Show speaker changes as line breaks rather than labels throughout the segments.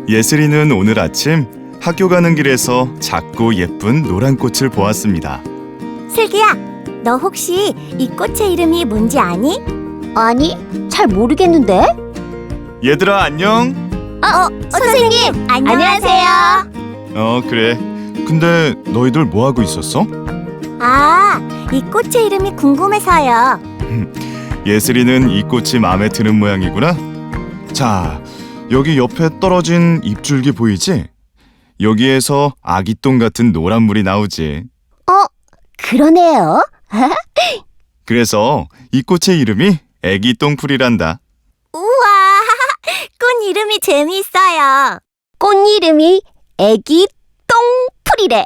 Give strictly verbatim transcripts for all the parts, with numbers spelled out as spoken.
예슬이는 오늘 아침 학교 가는 길에서 작고 예쁜 노란 꽃을 보았습니다.
슬기야, 너 혹시 이 꽃의 이름이 뭔지 아니?
아니, 잘 모르겠는데?
얘들아 안녕?
어, 선생님, 안녕하세요.
어 그래. 근데 너희들 뭐 하고 있었어?
아, 이 꽃의 이름이 궁금해서요.
예슬이는 이 꽃이 마음에 드는 모양이구나. 자, 여기 옆에 떨어진 잎줄기 보이지? 여기에서 아기똥 같은 노란 물이 나오지.
어, 그러네요.
그래서 이 꽃의 이름이 애기똥풀이란다.
우와, 꽃 이름이 재미있어요.
꽃 이름이 애기 똥풀이래.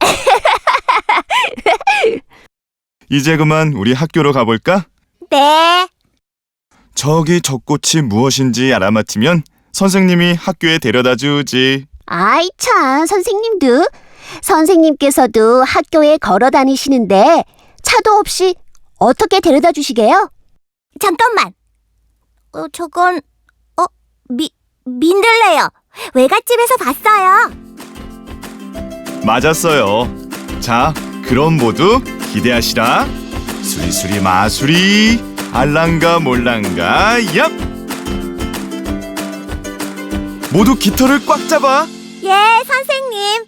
이제 그만 우리 학교로 가볼까?
네.
저기 저 꽃이 무엇인지 알아맞히면 선생님이 학교에 데려다 주지.
아이 참, 선생님도. 선생님께서도 학교에 걸어 다니시는데 차도 없이 어떻게 데려다 주시게요?
잠깐만. 어, 저건 어, 미, 민들레요. 외갓집에서 봤어요.
맞았어요. 자, 그럼 모두 기대하시라. 수리수리 마수리, 알랑가 몰랑가, 얍! 모두 깃털을 꽉 잡아.
예, 선생님.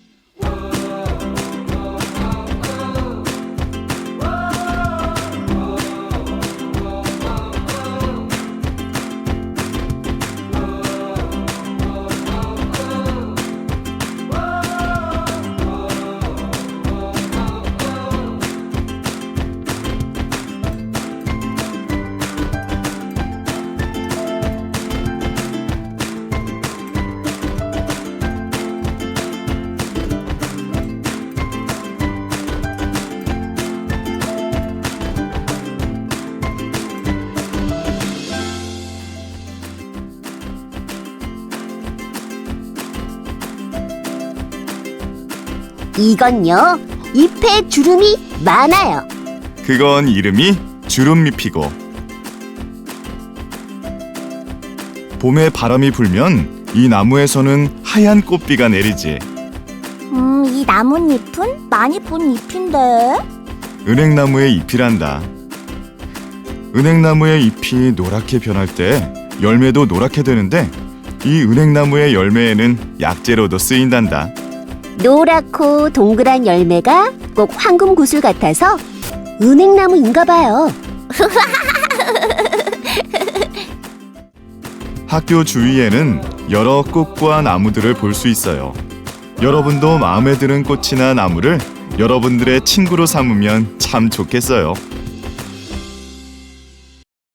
이건요, 잎에 주름이 많아요.
그건 이름이 주름잎이고, 봄에 바람이 불면 이 나무에서는 하얀 꽃비가 내리지.
음, 이 나뭇잎은 많이 본 잎인데.
은행나무의 잎이란다. 은행나무의 잎이 노랗게 변할 때 열매도 노랗게 되는데, 이 은행나무의 열매에는 약재로도 쓰인단다.
노랗고 동그란 열매가 꼭 황금 구슬 같아서 은행나무인가 봐요.
학교 주위에는 여러 꽃과 나무들을 볼 수 있어요. 여러분도 마음에 드는 꽃이나 나무를 여러분들의 친구로 삼으면 참 좋겠어요.